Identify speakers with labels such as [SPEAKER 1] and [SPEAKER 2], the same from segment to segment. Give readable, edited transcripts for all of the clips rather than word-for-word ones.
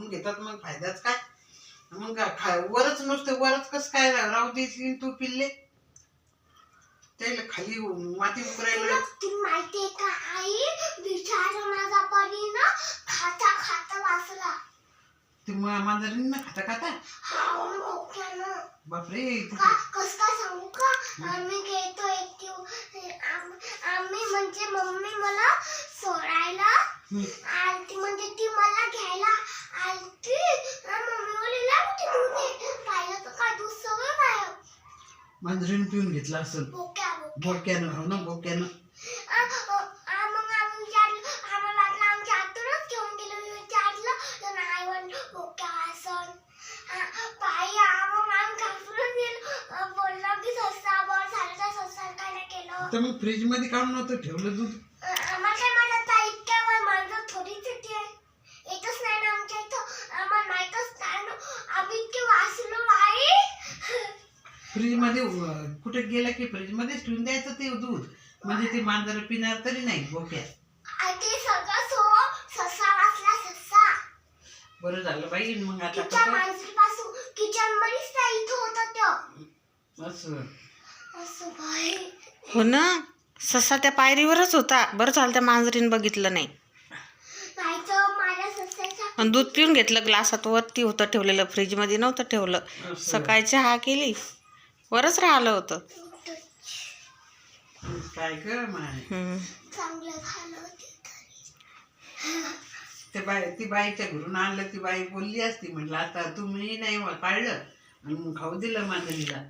[SPEAKER 1] खाऊन घेतात मग फायदाच काय. मग वरच नुसतं वरच कसं काय राहू देशील तू पिल्ले. त्याला खाली माती उकरायला
[SPEAKER 2] माहितीये का आई विचार माझा परी ना खाता खाता वाचला.
[SPEAKER 1] ते मांजरीन ना खाता खाता बापरे.
[SPEAKER 2] कस काय सांगू का आम्ही गेलो एक आम्ही म्हणजे मम्मी मला सोडायला आलती म्हणजे ती मला घ्यायला आलती. मम्मी बोलली पाहिलं तर काय दूध सगळं गायब.
[SPEAKER 1] मांजरीन पिऊन घेतला असेल बोक्यानं. हो ना बोक्यानं.
[SPEAKER 2] मग आम्ही विचारलं आम्हाला वाटलं आमच्या आतूनच घेऊन गेलो. मी विचारलं तर नाही म्हणलं बोक्या वासन बाई. मग आम्ही घाबरून गेलो. बोललो की सस्ता बरं झालं तर सस्ता काय नाही केलं.
[SPEAKER 1] तर मग फ्रीज मध्ये काढून नव्हतं ठेवलं दूध.
[SPEAKER 2] आम्हाला काय म्हणत इतक्या वेळ मांजर थोडीच येते. येतच नाही ना आमच्या इथं. आम्हाला माहीतच नाही ना. आम्ही इतके वाचलो बाई.
[SPEAKER 1] फ्रीज मध्ये कुठे गेला की फ्रीज मध्येच ठेवून द्यायचं ते दूध. म्हणजे ते मांजर पिणार तरी नाही बोक्या.
[SPEAKER 2] ते सगळं ससा वाचला ससा.
[SPEAKER 1] बरं झालं बाई. मग आता
[SPEAKER 2] मांजरीपासून किचन मध्येच त्या इथं होतं त्यो. असं बाई.
[SPEAKER 3] हो ना ससा त्या पायरीवरच होता. बरं झालं त्या मांजरीन बघितलं नाही.
[SPEAKER 2] नाहीतर माझ्या ससाच्या
[SPEAKER 3] आणि दूध पिऊन घेतलं ग्लासात. वरती होतं ठेवलेलं फ्रीजमध्ये नव्हतं ठेवलं. सकाळी चहा केली वरच राहिलं होतं.
[SPEAKER 1] काय कर माय.
[SPEAKER 2] चांगलं झालं
[SPEAKER 1] ती बाईच्या घरून आणलं. ती बाई बोलली असती म्हटलं आता तुम्ही नाही काढलं आणि मग खाऊ दिलं मांजरीला.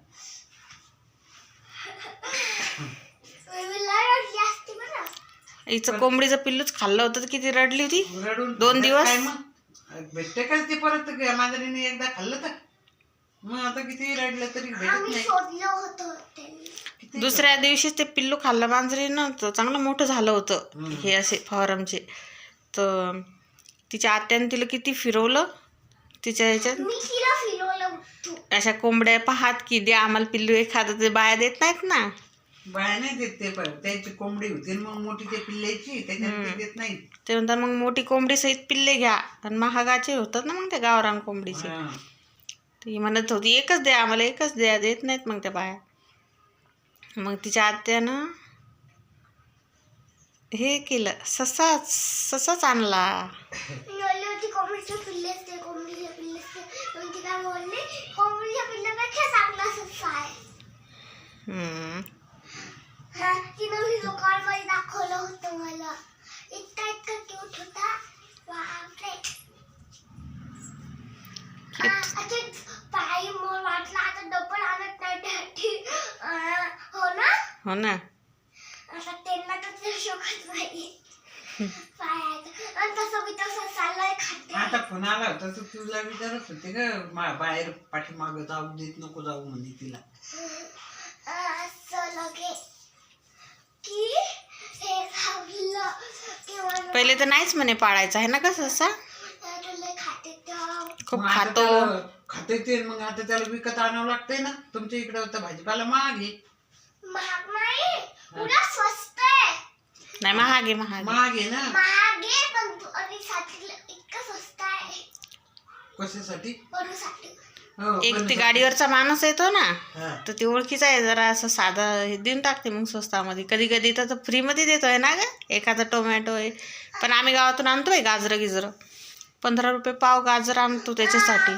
[SPEAKER 3] हिचं कोंबडीचं पिल्लूच खाल्लं होतं. किती रडली होती.
[SPEAKER 1] रडून
[SPEAKER 3] 2 दिवस.
[SPEAKER 1] काय मग भेटते का ते परत मांजरीने एकदा खाल्लं तर मग आता किती रडलं तरी भेटत नाही.
[SPEAKER 3] दुसऱ्या दिवशीच ते पिल्लू खाल्लं मांजरीनं. तर चांगलं मोठं झालं होतं. हे असे फॉरमचे. तर तिच्या आत्याने तिला किती फिरवलं. तिच्या ह्याच्यात अशा कोंबड्या पाहात की द्या आम्हाला पिल्लू एखादं. ते बाया देत नाहीत ना.
[SPEAKER 1] बाया नाही देत ते. त्यांची कोंबडी होती मग मोठी ते पिल्ल्याची त्याच्यात ते देत नाही.
[SPEAKER 3] ते म्हणतात मग मोठी कोंबडी सहित पिल्ले घ्या. आणि महागाचे होतात ना मग त्या गावरान कोंबडीचे. ती म्हणत होती एकच द्या आम्हाला एकच द्या. देत नाहीत मग त्या बाया. मग तिच्या आत्यानं हे केलं ससाच आणला.
[SPEAKER 2] दाखवलं होतं मला. इतका क्यूट होता बापरे. पायी मोर वाटला आता डबल आणत नाही. हो ना आता त्यांना तर शोकत नाही पायाचं. आणि तसं मी तसं चाललंय खाते.
[SPEAKER 1] आता फोन आला होता तर तुला विचारत होते का बाहेर पाठीमागं जाऊ देत नको जाऊ म्हणे तिला.
[SPEAKER 2] असं लगे की हे झालं की
[SPEAKER 3] पहिले तर नाहीच म्हणे पाळायचं आहे ना का ससा. खूप खातो
[SPEAKER 1] खाते ते. मग आता त्याला विकत आणावं लागतंय ना. तुमच्या इकडे होतं भाजीपाला महाग आहे.
[SPEAKER 2] महाग नाही पुन्हा स्वस्त आहे.
[SPEAKER 3] नाही महाग आहे महाग
[SPEAKER 1] आहे ना.
[SPEAKER 2] महाग आहे पण आणि साठीला इतकं स्वस्त आहे.
[SPEAKER 1] कशासाठी.
[SPEAKER 2] बनूसाठी.
[SPEAKER 3] एक ते गाडीवरचा माणूस येतो ना. तर ती ओळखीचा आहे. जरा असं साधा हे देऊन टाकते मग स्वस्तामध्ये. कधी कधी तर फ्रीमध्ये देतोय ना ग. एखादा टोमॅटो आहे. पण आम्ही गावातून आणतोय गाजरं गिजरं. 15 रुपये पाव गाजर आणतो त्याच्यासाठी.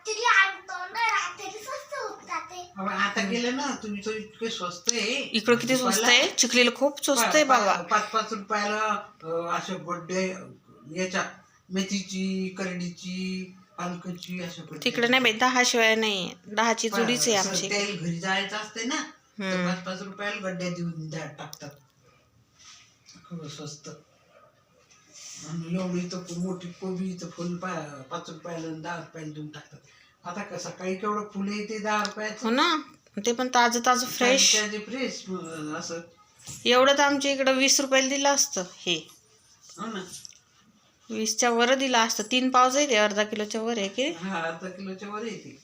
[SPEAKER 1] आता गेलं ना तुम्ही तो इतके स्वस्त आहे.
[SPEAKER 3] इकडं किती स्वस्त आहे. चिखलीला खूप स्वस्त आहे बाबा.
[SPEAKER 1] 5-5 रुपयाला असे बड्डे याच्या मेथीची करडीची पालकाची अशा.
[SPEAKER 3] तिकडे नाही बाई 10 शिवाय नाही. 10ची जुडीच आहे आमची.
[SPEAKER 1] तेल घरी जायचं असते ना 5-5 रुपयाला गड्ड्या देऊन टाकतात. खूप स्वस्त. आणि एवढी तर मोठी कोबीचं फुल 5 रुपयाला 10 रुपयाला देऊन टाकतात. आता सकाळी केवढं फुल येते 10 रुपयाचं.
[SPEAKER 3] हो ना. ते पण ताजं ताजं फ्रेश
[SPEAKER 1] फ्रेश असं.
[SPEAKER 3] एवढं तर आमच्या इकडं 20 रुपयाला दिलं असतं हे.
[SPEAKER 1] हो ना
[SPEAKER 3] 20च्या वर दिलं असतं. 3 पाव जाईल. अर्धा किलोच्या वर आहे की.
[SPEAKER 1] अर्धा किलोच्या वर येते.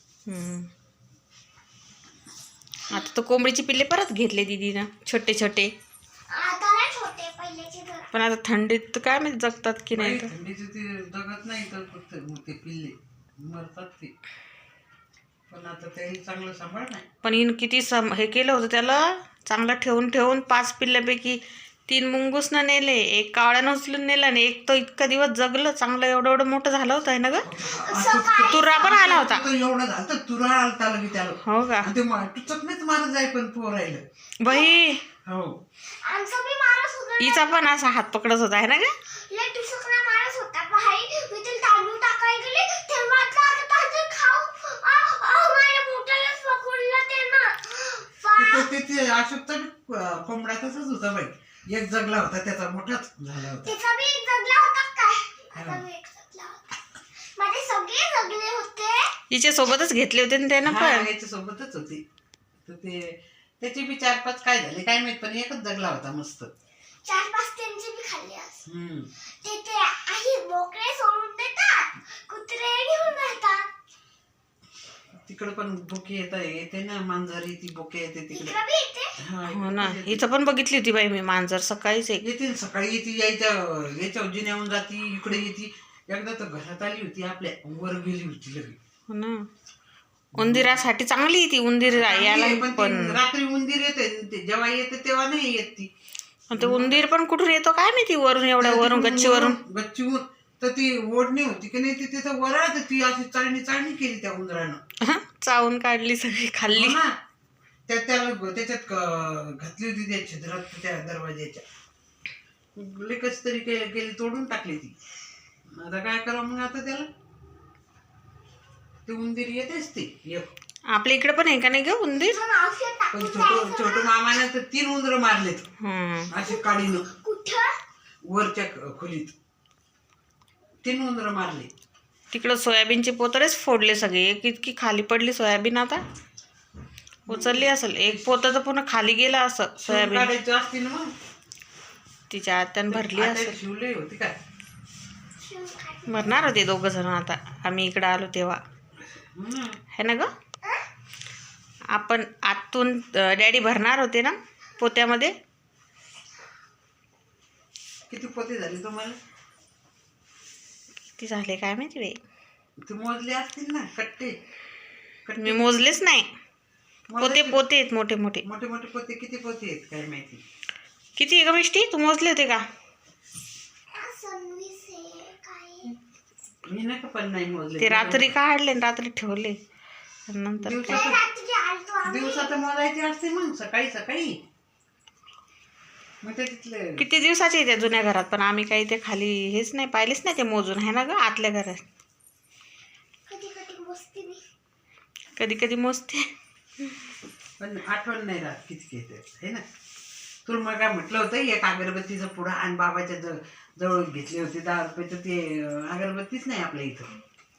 [SPEAKER 3] आता तर कोंबडीची पिल्ले परत घेतले दीदीनं छोटे छोटे.
[SPEAKER 2] आता नाही छोटे पहिलेचे जरा.
[SPEAKER 3] पण आता थंडीत काय माहिती जगतात की नाही तर.
[SPEAKER 1] थंडीचे ते जगत नाही तर फक्त ते पिल्ले मरतात ते. पण आता त्याही चांगलं सांभाळ नाही.
[SPEAKER 3] पण हिनं किती हे केलं होतं त्याला, चांगलं ठेवून ठेवून 5 पिल्ल्यापैकी 3 मुंगूसनं नेले, 1 कावळ्यानं उचलून नेला आणि 1 तो इतका दिवस जगलं चांगलं, एवढं एवढं मोठं झालं होतं ना ग. तुरा पण आला होता.
[SPEAKER 1] एवढं झालं तर तुरा आलता लगे त्याला.
[SPEAKER 3] हो का.
[SPEAKER 1] आणि ते टुचकनेच मारत जाय पण पोरायला.
[SPEAKER 3] बाई
[SPEAKER 1] हो.
[SPEAKER 2] आमचा बी मारत होता
[SPEAKER 3] हिचा पण असा हात पकडत होता आहे ना ग.
[SPEAKER 2] लय टुसकना मारत होता. भाई मी ते तांदूळ टाकायला गेले तेव्हा आता तांदूळ खाऊ माझ्या बोटालाच पकडलं ते ना.
[SPEAKER 1] ते अशोकचा कोंबडा तसाच होता बाई. एक जगला होता त्याचा मोठाच झाला होता.
[SPEAKER 2] त्याचा बी एक जगला होता काय. आता मी एक जगला होता. माझे सगळे जगले होते.
[SPEAKER 3] हिच्या सोबतच घेतले होते ना त्यानं
[SPEAKER 1] हा,
[SPEAKER 3] पण.
[SPEAKER 1] याच्या सोबतच होती. तर ते त्याचे बी 4-5 काय झाले काय माहित, पण एकच जगला होता मस्त.
[SPEAKER 2] 4-5 त्यांचे बी खाल्ले असं.
[SPEAKER 1] हम्म.
[SPEAKER 2] ते आई बोकडे सोडून देतात, कुत्रे घेऊन जातात.
[SPEAKER 1] तिकडे पण बोके येते ना, मांजरी ती बोके येते तिकडे.
[SPEAKER 2] इकडं बी येते.
[SPEAKER 1] हा,
[SPEAKER 3] हो ना. हिचं पण बघितली होती बाई मी मांजर सकाळीच एक.
[SPEAKER 1] येते सकाळी येते, याच्या जिन्याहून जाती इकडे येते. एकदा तर घरात आली होती आपल्या, वर गेली होती लगे.
[SPEAKER 3] हो ना. उंदिरासाठी चांगली ती उंदीर यायला
[SPEAKER 1] पण
[SPEAKER 3] पण.
[SPEAKER 1] रात्री उंदीर येते, जेव्हा येते तेव्हा नाही येत ती.
[SPEAKER 3] पण ते उंदीर पण कुठून येतो काय माहिती, वरून एवढ्या वरून गच्चीवरून.
[SPEAKER 1] गच्चीवरून तर ती ओढणी होती की नाही, ती तिथं वरात ती अशी चाळणी केली त्या उंदरानं.
[SPEAKER 3] चावून काढली सगळी खाल्ली.
[SPEAKER 1] हो ना. त्याच्यात घातली होती त्या छिद्रात त्या दरवाज्याच्या. कशी तरी केली, तोडून टाकली ती. आता काय करावं मग आता त्याला. ते उंदीर येतेच ते.
[SPEAKER 3] आपल्या इकडे पण आहे का नाही ग उंदीर.
[SPEAKER 2] पण औषध
[SPEAKER 1] पण
[SPEAKER 2] टाकून
[SPEAKER 1] छोटू मामाने तर 3 उंदरं मारलेत अशी काढीनं
[SPEAKER 2] कुठं
[SPEAKER 1] वरच्या खोलीत. 3 उंदरं मारले.
[SPEAKER 3] तिकडं सोयाबीनचे पोतळेच फोडले सगळे. एक इतकी खाली पडली सोयाबीन, आता उचलली असेल. एक पोतं तर पूर्ण खाली गेला असं सोयाबीन.
[SPEAKER 1] काढायची असती ना मग.
[SPEAKER 3] तिच्या आत्यानं भरली असेल.
[SPEAKER 1] शिवले होती काय.
[SPEAKER 3] भरणार होते 2 जण आता आम्ही इकडं आलो तेव्हा है ना ग. आपण आतून डॅडी भरणार होते ना पोत्यामध्ये.
[SPEAKER 1] किती पोते झाले तुम्हाला.
[SPEAKER 3] किती झाले काय माहिती बाई.
[SPEAKER 1] ते मोजले असतील ना कट्टे.
[SPEAKER 3] मी मोजलेच नाही. पोते पोते आहेत मोठे मोठे.
[SPEAKER 1] मोठे मोठे पोते. किती पोते आहेत काय माहिती.
[SPEAKER 3] किती आहे ग मिष्टी, तू मोजले होते का.
[SPEAKER 1] मी नाही का पण नाही मोजले.
[SPEAKER 3] ते रात्री काढले आणि रात्री ठेवले नंतर.
[SPEAKER 1] दिवसात मोजायचे असते मग सकाळी सकाळी. मग ते तिथले
[SPEAKER 3] किती दिवसाचे आहे त्या जुन्या घरात, पण आम्ही काही ते खाली हेच नाही पाहिलेच नाही ते मोजून है ना ग. आतल्या घरात कधी कधी मोजते
[SPEAKER 1] पण आठवण नाही राहत किती घेते है ना. तुला मग काय म्हटलं होतं, एक अगरबत्तीचं पुडा आणि बाबाच्या जवळ घेतले होते 10 रुपयाचं. ते अगरबत्तीच नाही आपल्या इथं.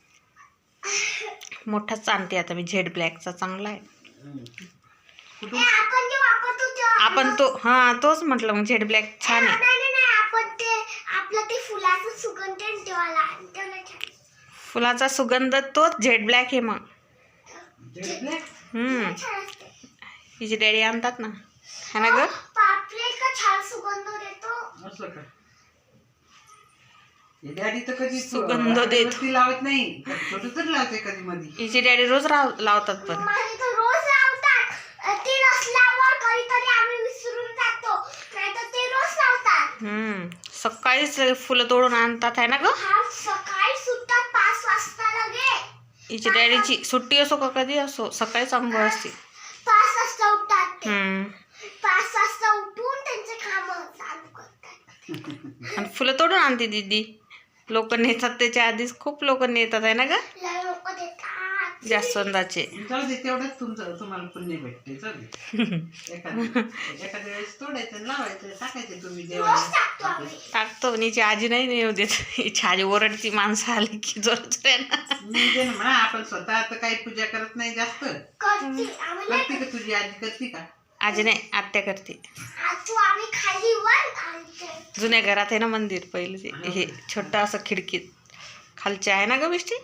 [SPEAKER 3] मोठाच आणते आता मी, झेड ब्लॅकचा चांगला आहे.
[SPEAKER 1] कुठून.
[SPEAKER 3] आपण तो हा तोच म्हटलं मग, झेड ब्लॅक छान आहे.
[SPEAKER 2] आपण ते आपलं ते फुलाचा सुगंध ठेवायला.
[SPEAKER 3] फुलाचा सुगंध तोच झेड ब्लॅक आहे मग. हिचे डॅडी आणतात ना है ना ग.
[SPEAKER 2] छान सुगंध देतो.
[SPEAKER 1] असं का. डॅडी तर कधी
[SPEAKER 3] सुगंध देत
[SPEAKER 1] लावत नाही. छोटं तर लावते कधी मध्ये.
[SPEAKER 3] हिचे डॅडी रोज लावतात पण.
[SPEAKER 2] रोज लावतात. ते नसल्यावर कधीतरी आम्ही विसरून जातो, नाहीतर ते रोज लावतात.
[SPEAKER 3] सकाळीच फुलं तोडून आणतात है ना ग.
[SPEAKER 2] सकाळी सुटतात 5 वाजता लगे.
[SPEAKER 3] हिच्या डॅडीची सुट्टी असो का कधी असो सकाळीच अंघोळ असते.
[SPEAKER 2] 5 वाजता उठतात ते. 5 वाजता उठून त्यांचे काम चालू करतात.
[SPEAKER 3] आणि फुलं तोडून आणते दीदी. लोक नेतात त्याच्या आधीच, खूप लोक नेतात आहे ना ग.
[SPEAKER 2] लोक देतात
[SPEAKER 3] जास्वंदाचे.
[SPEAKER 1] जाऊ दे तेवढंच तुम्हाला पुण्य भेटते. जाऊ दे. एखाद्या वेळेस तोडायचं लावायचं टाकायचं तुम्ही देवाला.
[SPEAKER 3] टाकतो. हिची आजी नाही नेऊ देत. हिची आजी ओरडती माणसं आली की जोरात.
[SPEAKER 1] मी दे ना म्हणा. आपण स्वतः आता काही पूजा करत नाही जास्त. करते का तुझी आजी, करते का.
[SPEAKER 3] आजी नाही आत्या करते.
[SPEAKER 2] आम्ही खाली वर
[SPEAKER 3] जुन्या घरात आहे ना मंदिर पहिलं ते, हे छोटं असं खिडकीत खालचे आहे ना ग बिष्टी.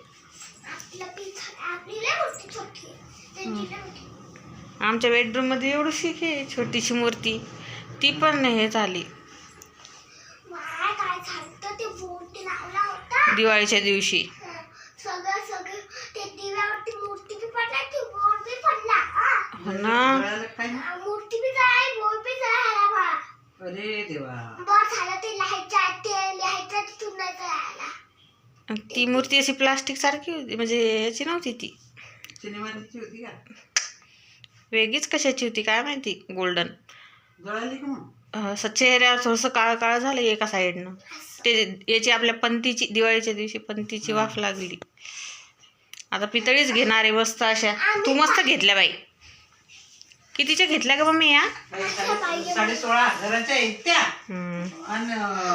[SPEAKER 3] आमच्या बेडरूम मध्ये एवढीशी आहे छोटीशी मूर्ती, ती पण हे झाली
[SPEAKER 2] काय झालं ते मूर्ती लावला होता
[SPEAKER 3] दिवाळीच्या दिवशी.
[SPEAKER 2] सगळं ते दिव्यावरती मूर्ती बी पडला ती बोर्ड बी पडला
[SPEAKER 3] हो ना.
[SPEAKER 1] जळालं काय ना?
[SPEAKER 2] मूर्ती बी जळाली बोर्ड बी जळाला बा.
[SPEAKER 1] अरे देवा.
[SPEAKER 2] बरं झालं ते लिहायचं तिथून नाही जळाला.
[SPEAKER 3] ती मूर्ती अशी प्लास्टिक सारखी होती, म्हणजे याची नव्हती ती,
[SPEAKER 1] सिनेमाची होती का?
[SPEAKER 3] वेगळीच कशाची होती काय माहिती. गोल्डन
[SPEAKER 1] जळाली का मग?
[SPEAKER 3] असं चेहऱ्यावर थोडंसं काळं काळं झालं एका साईडनं. ते याची आपल्या पंतीची दिवाळीच्या दिवशी पंतीची वाफ लागली. आता पितळीच घेणार आहे मस्त अशा. तू मस्त घेतल्या बाई. कितीच्या घेतल्या का मम्मी या?
[SPEAKER 1] 16,500 आहेत त्या. आणि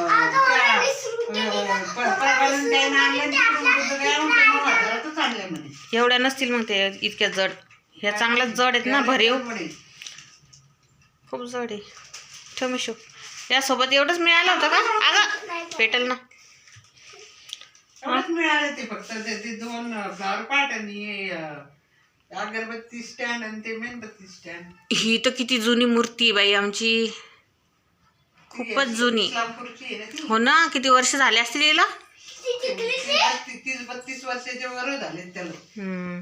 [SPEAKER 3] एवढ्या नसतील मग ते इतक्या जड. ह्या चांगल्याच जड आहेत ना, भरीव खूप जड आहे. ठेव मिशो. यासोबत एवढंच मिळालं होतं का? अगं पेटल ना.
[SPEAKER 1] मिळाले ते फक्त ते 2 फ्लावर पॉट आणि अगरबत्ती स्टँड आणि ते मेणबत्ती स्टँड.
[SPEAKER 3] ही तर किती जुनी मूर्ती आहे बाई आमची, खूपच जुनी.
[SPEAKER 1] इस्लामपूरची आहे ना ती.
[SPEAKER 3] हो ना, किती वर्ष झाले असतील हिला.
[SPEAKER 1] 30-32 वर्षाच्या वर झाले त्याला.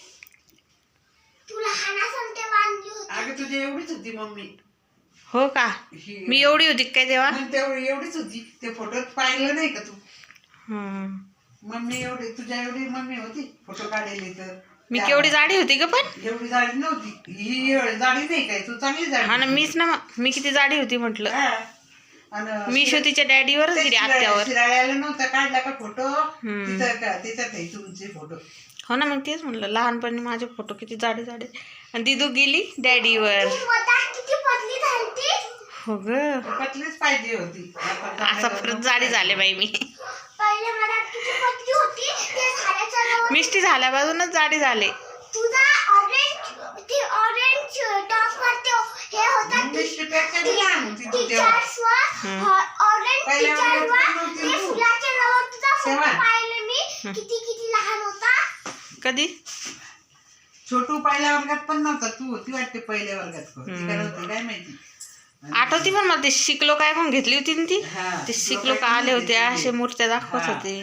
[SPEAKER 2] तुला हानासन ते बांधली होती.
[SPEAKER 1] अगं तुझी एवढीच होती मम्मी.
[SPEAKER 3] हो का? मी एवढी होती काय तेव्हा?
[SPEAKER 1] तेवढी एवढीच होती. ते फोटोत पाहिलं नाही का तू?
[SPEAKER 3] हम्म.
[SPEAKER 1] एवढी तुझ्या एवढी मम्मी होती फोटो काढलेली तर.
[SPEAKER 3] मी केवढी जाडी होती का पण?
[SPEAKER 1] एवढी जाडी नव्हती. ही जाडी नाही काय, तू चांगली जाडी.
[SPEAKER 3] हा ना, मीच ना मग. मी किती जाडी होती म्हटलं.
[SPEAKER 1] हा. आणि
[SPEAKER 3] मी श्रुतीच्या डॅडीवरच गेली, आत्यावर.
[SPEAKER 1] शिराळ्याला नव्हता काढला का फोटो तिथं का त्याच्यात आहे तुमचे फोटो.
[SPEAKER 3] हो ना, मग तेच म्हणलं लहानपणी माझे फोटो किती जाडे जाडे. आणि दिदू गेली डॅडीवर.
[SPEAKER 2] किती पतली झाली ती.
[SPEAKER 3] हो ग,
[SPEAKER 1] पतलीच पाहिजे होती.
[SPEAKER 3] आता परत जाडी झाले बाई मी.
[SPEAKER 2] पहिले मला किती पतली होती ते झाल्याच्या जवळ.
[SPEAKER 3] मिष्टी झाल्यापासूनच जाडी झाले.
[SPEAKER 2] तुझा ऑरेंज टॉप वरती हे होता
[SPEAKER 1] मिष्टीपेक्षा बी लहान होती तू तेव्हा.
[SPEAKER 2] टीचर्स वर ऑरेंज
[SPEAKER 1] पहिल्या
[SPEAKER 2] टीचर
[SPEAKER 1] वर्गात
[SPEAKER 2] वर
[SPEAKER 1] नव्हती
[SPEAKER 2] ते
[SPEAKER 1] तू.
[SPEAKER 2] फुलाच्या जवळ तुझा फोटो
[SPEAKER 1] तेव्हा.
[SPEAKER 2] पाहिले मी किती लहान होता.
[SPEAKER 3] कधी?
[SPEAKER 1] छोटू पहिल्या वर्गात पण नव्हता, तू होती वाटते पहिल्या वर्गात. होती काय माहिती.
[SPEAKER 3] आठवती पण मला ते शिकलो काय पण घेतली होती ना ती.
[SPEAKER 1] हा.
[SPEAKER 3] ते शिकलो का आले होते असे मूर्त्या दाखवत होते.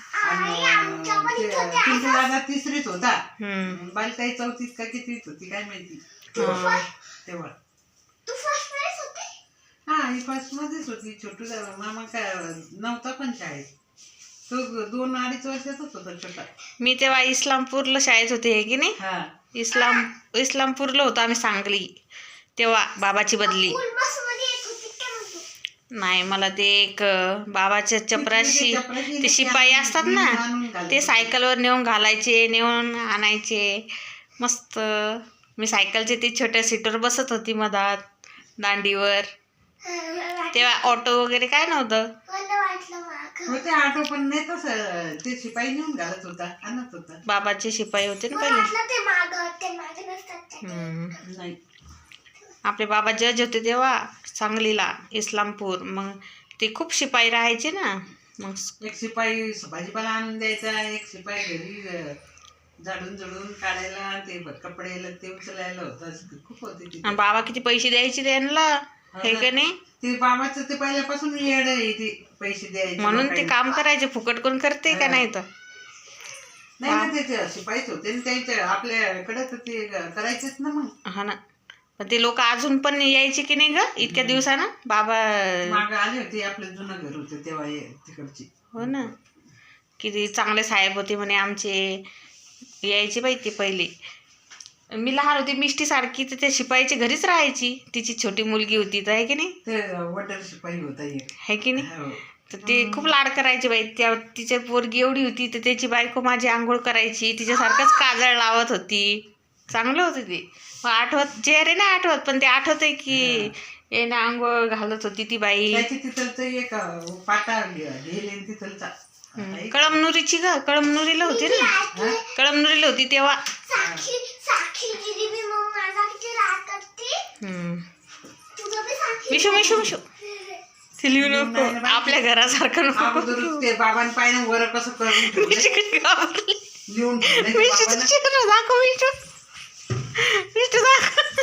[SPEAKER 1] पिंटू दादा 3रीत होता.
[SPEAKER 3] हम्म.
[SPEAKER 1] बालताई 4थीत का कितवीत होती काय माहिती
[SPEAKER 3] हा.
[SPEAKER 1] तेव्हा.
[SPEAKER 2] तू फर्स्ट प्राइज होते.
[SPEAKER 1] हा, ही फर्स्ट मध्येच होती. छोटू दादा मामा काय नव्हता पण शाळेत. तो 2-2.5 वर्षाचाच होता छोटा.
[SPEAKER 3] मी तेव्हा इस्लामपूरला शाळेत होते हे की नाही.
[SPEAKER 1] हा.
[SPEAKER 3] इस्लामपूरला होतो आम्ही, सांगली. तेव्हा बाबाची बदली.
[SPEAKER 2] स्कूल बस मध्ये येत होती काय म्हणतो.
[SPEAKER 3] नाही, मला ते एक बाबाच्या चपराशी ते शिपाई असतात ना, ते सायकलवर नेऊन घालायचे, नेऊन आणायचे. मस्त. मी सायकलचे ते छोट्या सीटवर बसत होती मधात दांडीवर. तेव्हा ऑटो वगैरे काय नव्हतं.
[SPEAKER 2] मला वाटलं मागं.
[SPEAKER 1] होते ऑटो पण नाही तसं. ते शिपाई नेऊन घालत होता, आणत होता.
[SPEAKER 3] बाबाचे शिपाई होते ना
[SPEAKER 2] मला
[SPEAKER 3] पहिले.
[SPEAKER 2] वाटलं ते मागे नसतात ते.
[SPEAKER 1] नाही.
[SPEAKER 3] आपले बाबा जज होते तेव्हा सांगलीला, इस्लामपूर. मग ते खूप शिपाई राहायचे ना. मग
[SPEAKER 1] एक शिपाई भाजीपाला आणून द्यायचा, एक शिपाई घरी झाडून झुडून काढायला, ते कपडे ते उचलायला होतं. खूप होते तिथे.
[SPEAKER 3] आणि बाबा किती पैसे द्यायचे त्यांना, हे का नाही.
[SPEAKER 1] ते बाबाचं ते पहिल्यापासून येड आहे ते पैसे द्यायचे.
[SPEAKER 3] म्हणून ते काम करायचे. फुकट कोण करते का नाही तर.
[SPEAKER 1] नाही ना, ते शिपाईच होते त्यांच्या आपल्याकडे तर ते करायचेच ना मग.
[SPEAKER 3] हा ना. पण ते लोक अजून पण यायचे की नाही ग इतक्या दिवसानं. बाबा
[SPEAKER 1] मागं आले होते, आपलं जुनं घर होतं तेव्हा तिकडची.
[SPEAKER 3] हो ना, किती चांगले साहेब होते म्हणे आमचे. यायचे बाई ते पहिले. मी लहान होती मिष्टी सारखी, तर त्या शिपाईच्या घरीच राहायची. तिची छोटी मुलगी होती तर, आहे की नाही.
[SPEAKER 1] ते वटर शिपाई होता एक.
[SPEAKER 3] आहे की नाही.
[SPEAKER 1] हो.
[SPEAKER 3] तर ते खूप लाड करायचे बाई. त्या तिच्या पोरगी एवढी होती तर त्याची बायको माझी आंघोळ करायची, तिच्यासारखंच काजळ लावत होती. चांगलं होतं ते. मग आठवत, चेहरे नाही आठवत पण ते आठवतंय की येणे आंघोळ घालत होती ती बाई.
[SPEAKER 1] त्याची तिथलचं एक पाटा घेले तिथलचा.
[SPEAKER 3] कळमनुरीची ग, कळमनुरीला होती ना. कळमनुरीला होती तेव्हा.
[SPEAKER 2] साक्षी दिदी बी मग माझा किती राग करते. तुझं बी साक्षी.
[SPEAKER 3] मिशू मिशू मिशू ते लिहू नको, आपल्या घरासारखं नको.
[SPEAKER 1] अगोदरच ते बाबांनी पाहिजे वर कसं करून ठेवलंय.
[SPEAKER 3] मिशू किती घाबरली.
[SPEAKER 1] लिहून ठेवलंय
[SPEAKER 3] मिशू
[SPEAKER 1] बाबांना.
[SPEAKER 3] चेहरा दाखव मिशू. मिशू दाखव.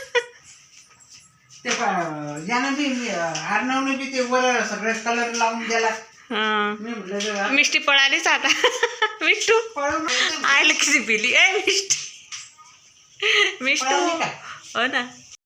[SPEAKER 1] ते यानं बी अर्णवनं बी ते वर सगळं कलर लावून द्यायला
[SPEAKER 3] हा
[SPEAKER 1] मी म्हटलं जरा
[SPEAKER 3] मिष्टी पळालीच आता मिष्टू
[SPEAKER 1] पळून
[SPEAKER 3] आयला किती पिली ए मिष्टी मिष्टू
[SPEAKER 1] पळाली का?
[SPEAKER 3] हो ना